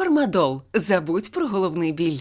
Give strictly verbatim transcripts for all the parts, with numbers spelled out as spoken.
Фармадол. Забудь про головний біль.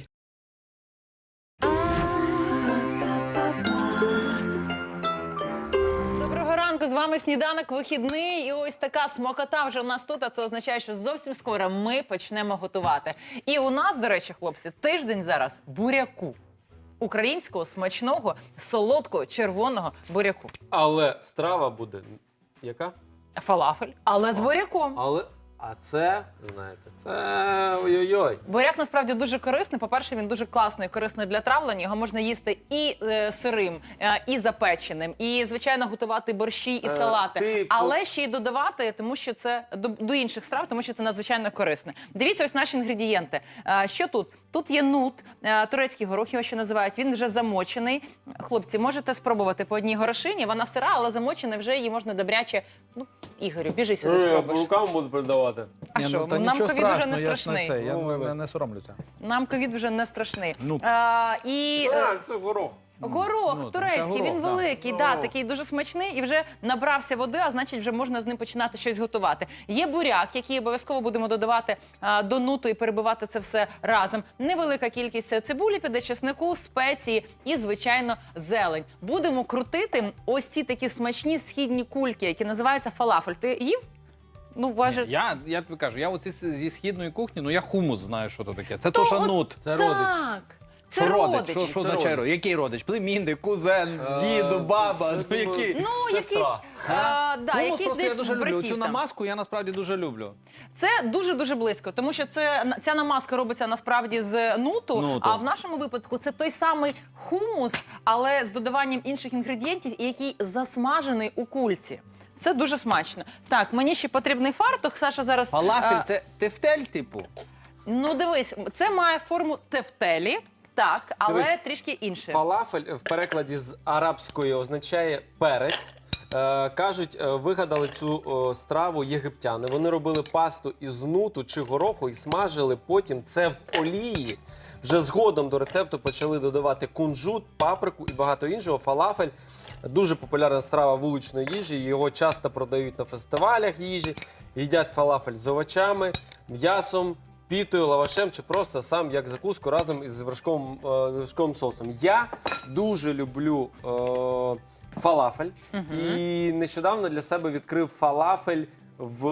Доброго ранку, з вами Сніданок вихідний. І ось така смакота вже в нас тут, а це означає, що зовсім скоро ми почнемо готувати. І у нас, до речі, хлопці, тиждень зараз буряку. Українського, смачного, солодкого, червоного буряку. Але страва буде яка? Фалафель, але з буряком. Але, а це, знаєте, це ой-ой-ой. Буряк насправді дуже корисний. По-перше, він дуже класний, корисний для травлення. Його можна їсти і е, сирим, е, і запеченим, і, звичайно, готувати борщі і Е, салати. ти Але ще й додавати, тому що це до, до інших страв, тому що це надзвичайно корисне. Дивіться, ось наші інгредієнти. Е, що тут? Тут є нут, е, турецький горох, його ще називають. Він вже замочений. Хлопці, можете спробувати по одній горошині. Вона сира, але замочена, вже її можна добряче. Ну, Ігорю, біжи сюди, Я по спробуєш. рукам буду передавати. А Ні, що, ну, та нам нічого ковід вже не страшного, я ж страшний. це, я Ну, не, вибач. не соромлюся. Нам ковід вже не страшний. Ну. А, і е, А, це горох. горох ну, турецький, це горох, він да. великий, да, Ну. такий дуже смачний і вже набрався води, а значить вже можна з ним починати щось готувати. Є буряк, який обов'язково будемо додавати а, до нуту і перебивати це все разом. Невелика кількість цибулі піде, чеснику, спеції і, звичайно, зелень. Будемо крутити ось ці такі смачні східні кульки, які називаються фалафель. Ти їв? Ну, важить. Я, я тобі кажу, я оці з- зі східної кухні, ну я хумус знаю, що то таке. Це То то, що от нут. Це родич. Так. Це Що родич? родичі. Що, що Це означає родич. родич? Який родич? Племінник, кузен, Е, діду, баба, це, ну думаю, який? Ну, якийсь, Сестра. а, да, Хумус якийсь просто я десь дуже з люблю. братів Цю там. намазку я насправді дуже люблю. Це дуже-дуже близько, тому що це, ця намазка робиться насправді з нуту, Нуту. а в нашому випадку це той самий хумус, але з додаванням інших інгредієнтів, який засмажений у кульці. Це дуже смачно. Так, мені ще потрібний фартух. Саша зараз... Фалафель а, це тефтель, типу? Ну, дивись, це має форму тефтелі, так, але Дивись, трішки інше. Фалафель в перекладі з арабської означає перець. Е, кажуть, е, вигадали цю о, страву єгиптяни. Вони робили пасту із нуту чи гороху і смажили потім це в олії. Вже згодом до рецепту почали додавати кунжут, паприку і багато іншого. Фалафель – дуже популярна страва вуличної їжі. Його часто продають на фестивалях їжі. Їдять фалафель з овочами, м'ясом, пітою, лавашем чи просто сам як закуску разом із вершковим, е, вершковим соусом. Я дуже люблю е, фалафель і нещодавно для себе відкрив фалафель в,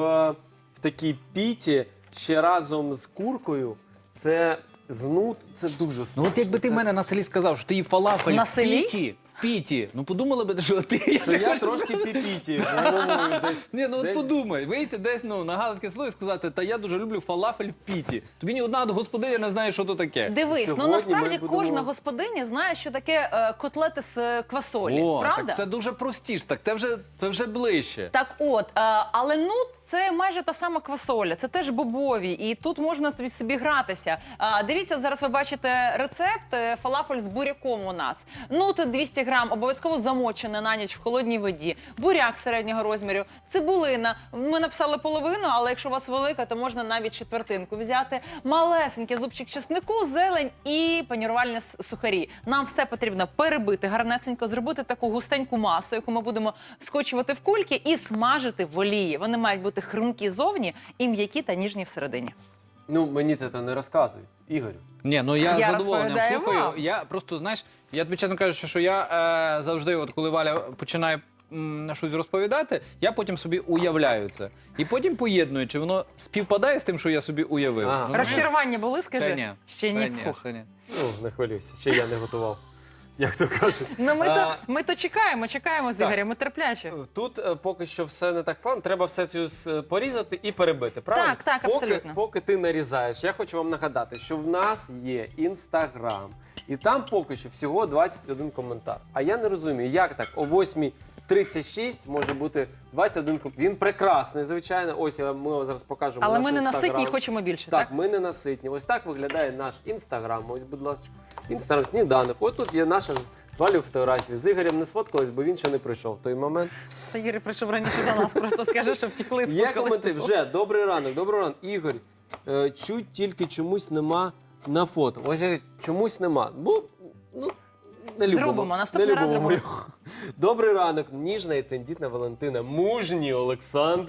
в такій піті ще разом з куркою. Це знут, це дуже смачно. Ну от якби ти Це- в мене на селі сказав, що ти їв фалафель На в селі? піті, в піті, ну подумали би, що ти... Що я трошки піпіті головою десь. Ні, ну от десь- подумай, вийти десь ну, на галицьке село і сказати, та я дуже люблю фалафель в піті. Тобі ні одна господиня не знає, що то таке. Дивись, Сьогодні ну насправді ми будемо- кожна господиня знає, що таке е, котлети з е, квасолі, О, правда? так це дуже простіше, так це вже, це вже ближче. Так от, е, але нут це майже та сама квасоля, це теж бобові, і тут можна тобі собі гратися. Е, дивіться, зараз ви бачите рецепт е, фалафель з буряком у нас. Нут двісті грам, обов'язково замочене на ніч в холодній воді, буряк середнього розміру, цибулина. Ми написали половину, але якщо у вас велика, то можна навіть четвертинку взяти. Малесенький зубчик чеснику, зелень і панірувальні с- сухарі. Нам все потрібно перебити гарнесенько, зробити таку густеньку масу, яку ми будемо скочувати в кульки і смажити в олії. Вони мають бути хрумкі зовні і м'які та ніжні всередині. Ну, мені ти це не розказуй, Ігорю. Ні, ну я, Я з задоволенням розповідаю слухаю. вам. Я просто, знаєш, я тобі чесно кажу, що я е, завжди, от коли Валя починає м, щось розповідати, я потім собі уявляю це. І потім поєдную, чи воно співпадає з тим, що я собі уявив. А. Ну, Розчарування були, скажи? Ще ні. Ще ні. Ще ні, Фух. ще ні. Ну, не хвилюйся, ще я не готував. Як то кажуть. Ну ми, А, то, ми то чекаємо, чекаємо з Так. Ігорем, ми терплячі. Тут е, поки що все не так складно, треба все цю с- порізати і перебити, правильно? Так, так, поки, абсолютно. Поки ти нарізаєш, я хочу вам нагадати, що в нас є Інстаграм, і там поки що всього двадцять один коментар. А я не розумію, як так о восьмій тридцять шість може бути двадцять один коментар. Він прекрасний, звичайно. Ось я- ми вам зараз покажемо Але наш ми не Інстаграм. наситні і хочемо більше, так? Так, ми не наситні. Ось так виглядає наш Інстаграм. Ось, будь ласка, Інстаграм, сніданок. Ось тут є наша з Валю фотографію. З Ігорем не сфоткались, бо він ще не прийшов в той момент. Та Ігор прийшов раніше за нас, просто скаже, що втекли з Є коменти вже. Добрий ранок, добрий ранок. Ігор, е, чуть тільки чомусь нема на фото. Ось я- чомусь нема. Бо, ну, не любимо. Зробимо, наступний не раз любимо зробимо. його. Добрий ранок, ніжна і тендітна Валентина, мужній Олександр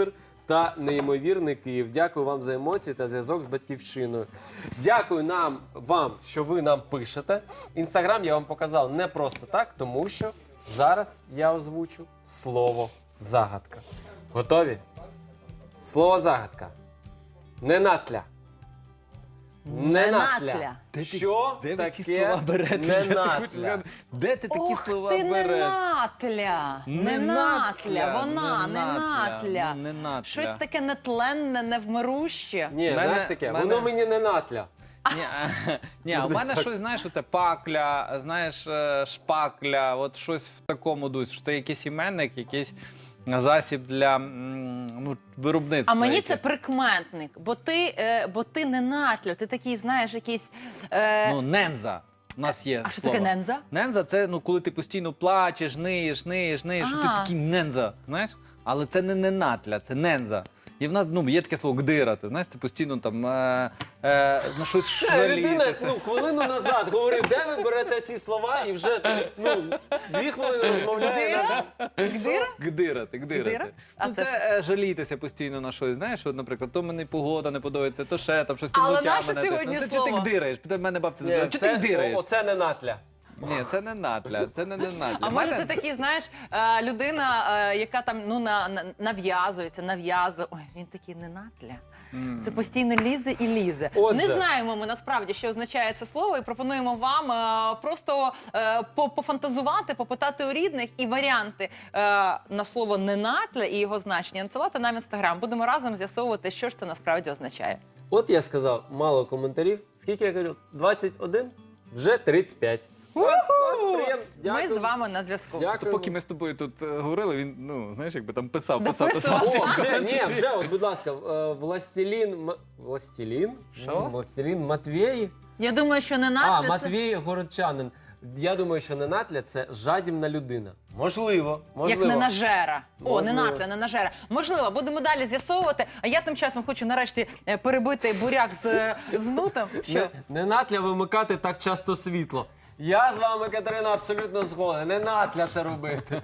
та неймовірний Київ. Дякую вам за емоції та зв'язок з батьківщиною. Дякую нам, вам, що ви нам пишете. Інстаграм я вам показав не просто так, тому що зараз я озвучу слово загадка. Готові? Слово загадка. Ненатля. Ненатля. Ненатля. Де ти- Що де ви таке ті слова берете? Я тобі хочу ненатля? сказати, Де ти такі Ох слова ти, береш? ненатля. Ненатля, вона, ненатля, ненатля. ну, ненатля. Щось таке нетленне, невмируще. Ні, Мене- знаєш таке, мене- воно мені не натля. Ні, а, ні, а у Десь мене так. щось, знаєш, оце пакля, знаєш, е, шпакля, от щось в такому дусі, що це якийсь іменник, якийсь засіб для м, ну, виробництва. А мені якесь. це прикметник, бо ти, е, бо ти ненатля, ти такий, знаєш, якийсь... Е, Ну, ненза. У нас є а що слово. таке ненза? Ненза це ну, коли ти постійно плачеш, ниєш, ниєш, ниєш, що ти А. такий ненза, знаєш? Але це не ненатля, це ненза. І в нас ну, є таке слово гдирати, знаєш, це постійно там е, е, на щось Е, Людина жалітися. ну, хвилину назад говорив, де ви берете ці слова, і вже ну, дві хвилини розмовляє. Гдира? Гдира? Гдирати, гдирати. Гдира? А Ну, це це е, жалітися постійно на щось. Знаєш, от, наприклад, то мені погода не подобається, то ще там щось Але підлуття наше мене. тисне. сьогодні Ну, це чи ти слово? гдираєш? Питає мене бабця Ні, запитала, чи ти це, гдираєш? о, оце не натля. Ні, це не натля, це не, не натля. А В може мене- це такий, знаєш, е, людина, е, яка там ну, на, на- нав'язується, нав'язує. Ой, він такий ненатля. Це постійно лізе і лізе. Отже. Не знаємо ми насправді, що означає це слово, і пропонуємо вам е, просто е, по- пофантазувати, попитати у рідних і варіанти е, на слово ненатля і його значення надсилати нам в інстаграм. Будемо разом з'ясовувати, що ж це насправді означає. От я сказав, мало коментарів. Скільки я кажу? двадцять один? Вже тридцять п'ять. От, от, приємно. Ми з Дякую. вами на зв'язку. Дякую. Поки ми з тобою тут е, говорили, він, ну, знаєш, якби там писав, писав, Дописував. писав. О, вже, ні, вже, от, будь ласка, е, Властелін... М- Властелін? Що? М, Властелін Матвєї? Я думаю, що А, ненатля це... Матвій Городчанин. Я думаю, що ненатля – це жадібна людина. Можливо, можливо. Як ненажера. О, Можливо. ненатля, ненажера. Можливо, будемо далі з'ясовувати. А я тим часом хочу нарешті е, перебити буряк з, з нутом. Що? Не, ненатля вимикати так часто світло. Я з вами, Катерина, абсолютно згоден. Не натля це робити.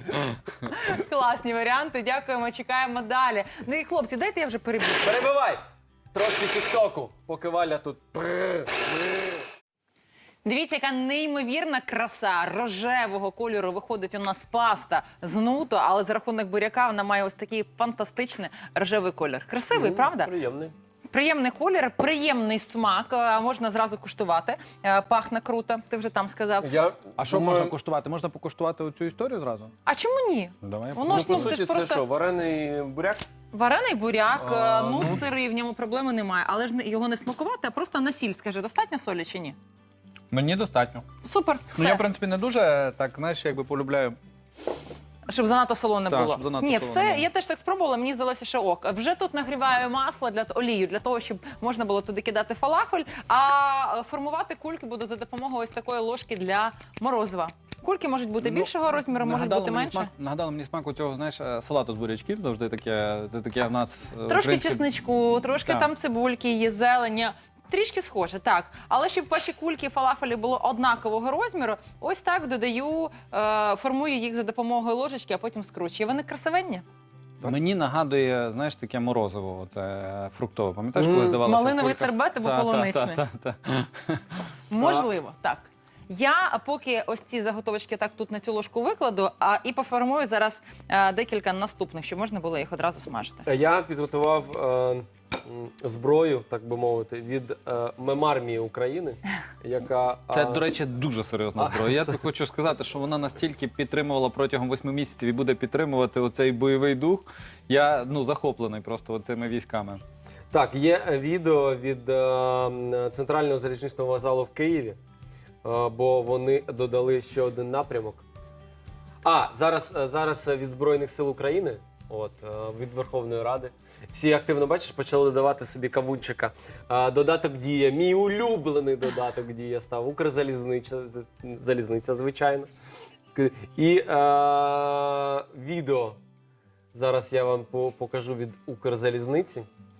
Класні варіанти. Дякуємо, чекаємо далі. Ну і хлопці, дайте я вже переб'ю. Перебивай! Трошки тік-току, поки Валя тут. Дивіться, яка неймовірна краса рожевого кольору виходить у нас паста з нуту, але за рахунок буряка вона має ось такий фантастичний рожевий колір. Красивий, правда? Приємний. Приємний колір, приємний смак. Е, Можна зразу куштувати. Е, Пахне круто. Ти вже там сказав. Я А що думаю, можна куштувати? Можна покуштувати оцю історію зразу? А чому ні? Давай. Воно Ну, ж по ну, це суті, ж це просто що, варений буряк? варений буряк, А, е, ну ну. сирий, в ньому проблеми немає. Але ж не- його не смакувати, а просто на сіль. Скажи, достатньо солі чи ні? Мені достатньо. Супер, все. Ну я, в принципі, не дуже так, знаєш, якби полюбляю. Щоб занадто солоне Так, було. щоб занадто Ні, солоне все, було. я теж так спробувала, мені здалося, що ок. Вже тут нагріваю масло для олію, для того, щоб можна було туди кидати фалафель, а формувати кульки буду за допомогою ось такої ложки для морозива. Кульки можуть бути Ну, більшого розміру, можуть нагадало бути мені менше. Смак, нагадало мені смак цього, знаєш, е, салату з бурячків, завжди таке, це таке в нас е, Трошки українське- чесничку, трошки Так. там цибульки, є зелені. Трішки схоже, так. Але щоб ваші кульки фалафелі було однакового розміру, ось так додаю, е, формую їх за допомогою ложечки, а потім скручую. Вони красивенні. Мені нагадує, знаєш, таке морозиво, це е, фруктове. Пам'ятаєш, Мм. коли здавалося? Малиновий в кульках? сербет або Та, та, полуничний. та, та, та. Можливо, так. Я поки ось ці заготовочки так тут на цю ложку викладу, а і поформую зараз е, декілька наступних, щоб можна було їх одразу смажити. Я підготував е, м, зброю, так би мовити, від е, мемармії України, яка... Це, е, до речі, дуже серйозна зброя. Я тобі хочу сказати, що вона настільки підтримувала протягом восьми місяців і буде підтримувати оцей бойовий дух. Я ну, захоплений просто цими військами. Так, є е, відео від е, м, центрального залізничного вокзалу в Києві, е, бо вони додали ще один напрямок. А, зараз, е, зараз від Збройних сил України, от, е, від Верховної Ради. Всі активно, бачиш, почали додавати собі кавунчика. Е, Додаток Дія, мій улюблений додаток Дія став, Укрзалізниця, залізниця, звичайно. К- І е, відео зараз я вам по- покажу від Укрзалізниці.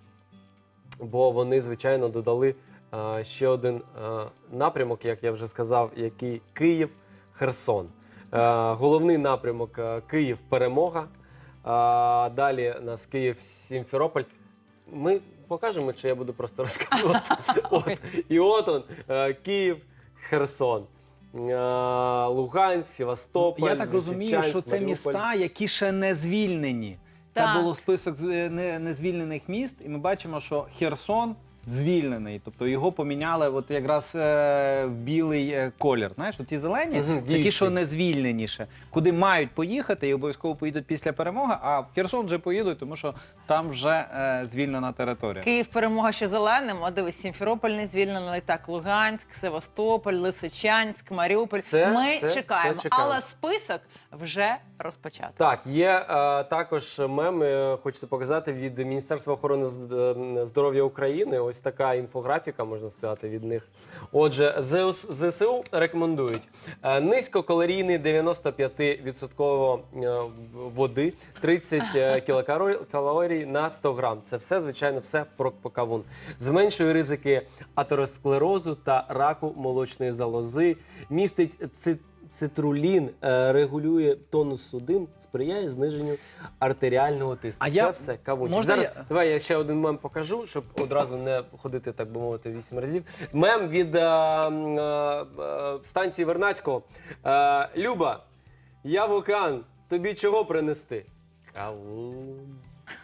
Бо вони, звичайно, додали е, ще один е, напрямок, як я вже сказав, який Київ-Херсон. Е, головний напрямок е, Київ-Перемога. А, далі у нас Київ, Сімферополь. Ми покажемо, чи я буду просто розказувати. От. І от он, е, Київ, Херсон. е, Луганськ, Севастополь, Я так розумію, Лисичанськ, що це Маріуполь. міста, які ще не звільнені. Так. Це було список з- е, не- незвільнених міст, і ми бачимо, що Херсон звільнений. Тобто його поміняли от якраз е, в білий е, колір. Знаєш, ті зелені, Мгм, це ті, дійсно. що не звільнені ще, куди мають поїхати і обов'язково поїдуть після перемоги, а в Херсон вже поїдуть, тому що там вже е, звільнена територія. Київ перемога ще зеленим, а дивись, Сімферополь не звільнений, так, Луганськ, Севастополь, Лисичанськ, Маріуполь. Все, Ми все, чекаємо, все чекаємо. але список вже розпочато. Так, є е, також мем, е, хочеться показати, від Міністерства охорони з- е, здоров'я України. Ось така інфографіка, можна сказати, від них. Отже, ЗС ЗСУ рекомендують е, низькокалорійний дев'яносто п'ять відсотків е, води, тридцять е, кілокалорій калорій на сто грам. Це все, звичайно, все про про кавун. Зменшує ризики атеросклерозу та раку молочної залози, містить цит Цитрулін, е, регулює тонус судин, сприяє зниженню артеріального тиску. А Це я- все кавунчик. можна Зараз я- давай я ще один мем покажу, щоб одразу не ходити, так би мовити, вісім разів. Мем від е, м, е, е, станції Вернадського. Е, Люба, я в океан, тобі чого принести? Кавун.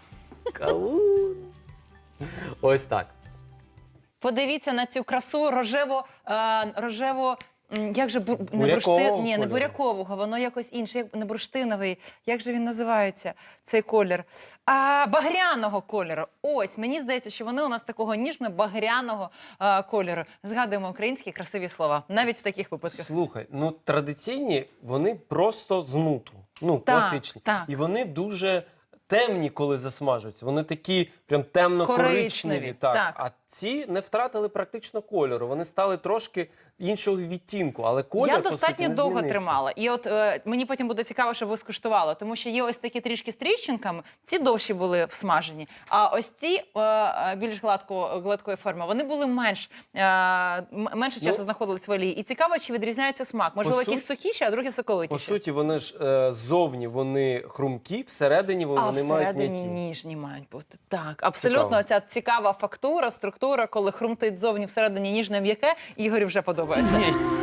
Кавун. Ось так. Подивіться на цю красу рожево, е, рожево. м, Як же бу... не Бурякового бурштин... Ні, не кольору. бурякового, воно якось інше, як не бурштиновий. Як же він називається, цей колір? А, багряного кольору. Ось, мені здається, що вони у нас такого ніжно-багряного е, кольору. Згадуємо українські красиві слова, навіть в таких випадках. Слухай, ну традиційні вони просто з нуту. Ну, Так, класичні. так. І вони дуже темні, коли засмажуються. Вони такі прям темно-коричневі. Коричневі, Так. так. А ці не втратили практично кольору. Вони стали трошки іншого відтінку, але колір, Я по достатньо суті, не довго змінився. тримала. І от е, мені потім буде цікаво, щоб ви скуштували, тому що є ось такі трішки з тріщинками, ці довші були всмажені, а ось ці е, е, більш гладко, гладкої форми, вони були менш, е, м- менше часу Ну, знаходились в олії. І цікаво, чи відрізняється смак. Можливо, по якісь су- сухіші, а другі соковитіші. По суті, вони ж е, ззовні вони хрумкі, всередині вони, А вони мають всередині м'які. ніжні мають бути. Так, абсолютно Цікаво. ця цікава фактура, структура, коли хрумтить ззовні, всередині ніжне м'яке, Ігорю вже подобається.